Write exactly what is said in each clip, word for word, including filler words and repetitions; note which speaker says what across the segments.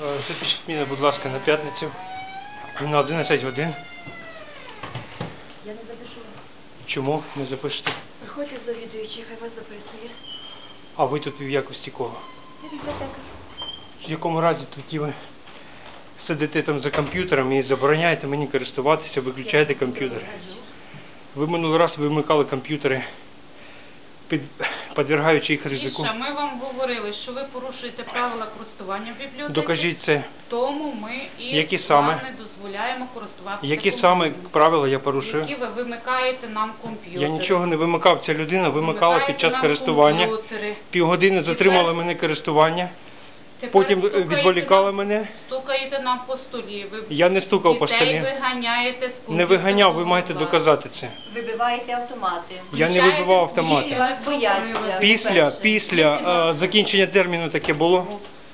Speaker 1: Запишіть мене, будь ласка, на п'ятницю на одинадцять годин.
Speaker 2: Я не запишу.
Speaker 1: Чому не запишете?
Speaker 2: Приходьте завідуючий, хай вас записує.
Speaker 1: А ви тут в якості кого?
Speaker 2: Я бібліотекар.
Speaker 1: В якому разі тоді ви сидите там за комп'ютером і забороняєте мені користуватися, виключаєте комп'ютери? Ви минулий раз вимикали комп'ютери, під, підвергаючи їх ризику.
Speaker 3: Міша, ми вам говорили, що ви порушуєте правила користування в бібліотеці.
Speaker 1: Докажіть це.
Speaker 3: Тому ми і
Speaker 1: Які
Speaker 3: вам
Speaker 1: саме?
Speaker 3: не дозволяємо користуватися
Speaker 1: Які
Speaker 3: комп'ютером.
Speaker 1: саме правила я порушую?
Speaker 3: Які ви вимикаєте нам комп'ютер.
Speaker 1: Я нічого не вимикав. Ця людина вимикала під час користування.
Speaker 3: Комп'ютери.
Speaker 1: Півгодини затримала мене користування. Потім відволікали мене.
Speaker 3: Стукаєте нам по столі. Ви
Speaker 1: Я не стукав по столі.
Speaker 3: Дітей виганяєте з комп'ютера.
Speaker 1: Не виганяв, ви маєте доказати це.
Speaker 2: Вибиваєте автомати.
Speaker 1: Я не вибивав автомати.
Speaker 2: Вас бояться.
Speaker 1: Після, після е, закінчення терміну таке було.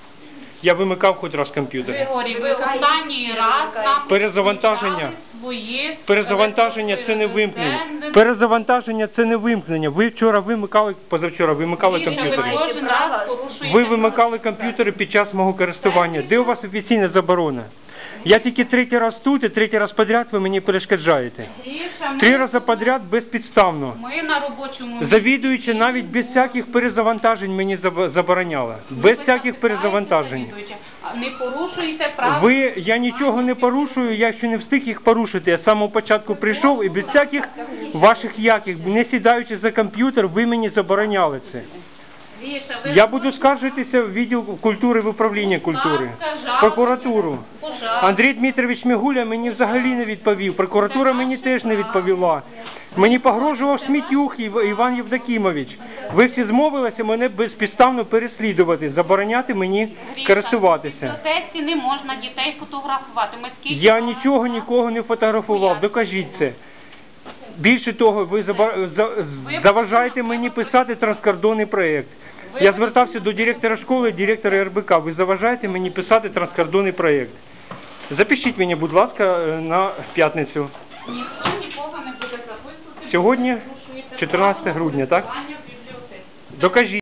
Speaker 1: Я вимикав хоч раз комп'ютер.
Speaker 3: Григорій, ви останній раз нам
Speaker 1: Перезавантаження.
Speaker 3: свої
Speaker 1: Перезавантаження це не вимкнення. Перезавантаження це не вимкнення. Ви вчора вимикали, позавчора вимикали
Speaker 3: Міша, ви
Speaker 1: комп'ютери.
Speaker 3: кожен раз порушуєте
Speaker 1: Ви вимикали комп'ютери під час мого користування. Де у вас офіційна заборона? Я тільки третій раз тут і третій раз підряд ви мені перешкоджаєте.
Speaker 3: Гріша, ми-
Speaker 1: Три рази підряд безпідставно.
Speaker 3: Ми на робочому
Speaker 1: Завідуючи навіть без всяких перезавантажень мені заб- забороняла. Без всяких перезавантажень.
Speaker 3: Не порушуйте права.
Speaker 1: Ви, я нічого не порушую, я ще не встиг їх порушити. Я з самого початку прийшов і без всяких ваших яких, не сідаючи за комп'ютер, ви мені забороняли це.
Speaker 3: Гріша, ви
Speaker 1: Я буду скаржитися в відділ культури, в управління культури, в прокуратуру.
Speaker 3: Пожалуйста.
Speaker 1: Андрій Дмитрович Мігуля мені взагалі не відповів, прокуратура мені теж не відповіла. Мені погрожував Смітюх Ів- Іван Євдокімович. Ви всі змовилися мене безпідставно переслідувати, забороняти мені користуватися.
Speaker 3: В бібліотеці не можна дітей фотографувати. Ми скільки
Speaker 1: Я
Speaker 3: раз-
Speaker 1: нічого нікого не фотографував, докажіть це. Більше того, ви заба- за- заважаєте мені писати транскордонний проєкт. Я звертався до директора школи, директора РБК. Ви заважаєте мені писати транскордонний проєкт. Запишіть мені, будь ласка, на п'ятницю.
Speaker 3: Ніхто нікого не буде записувати.
Speaker 1: Сьогодні
Speaker 3: ви порушуєте
Speaker 1: чотирнадцяте
Speaker 3: правила
Speaker 1: грудня, так?
Speaker 3: користування в бібліотеці.
Speaker 1: Докажіть.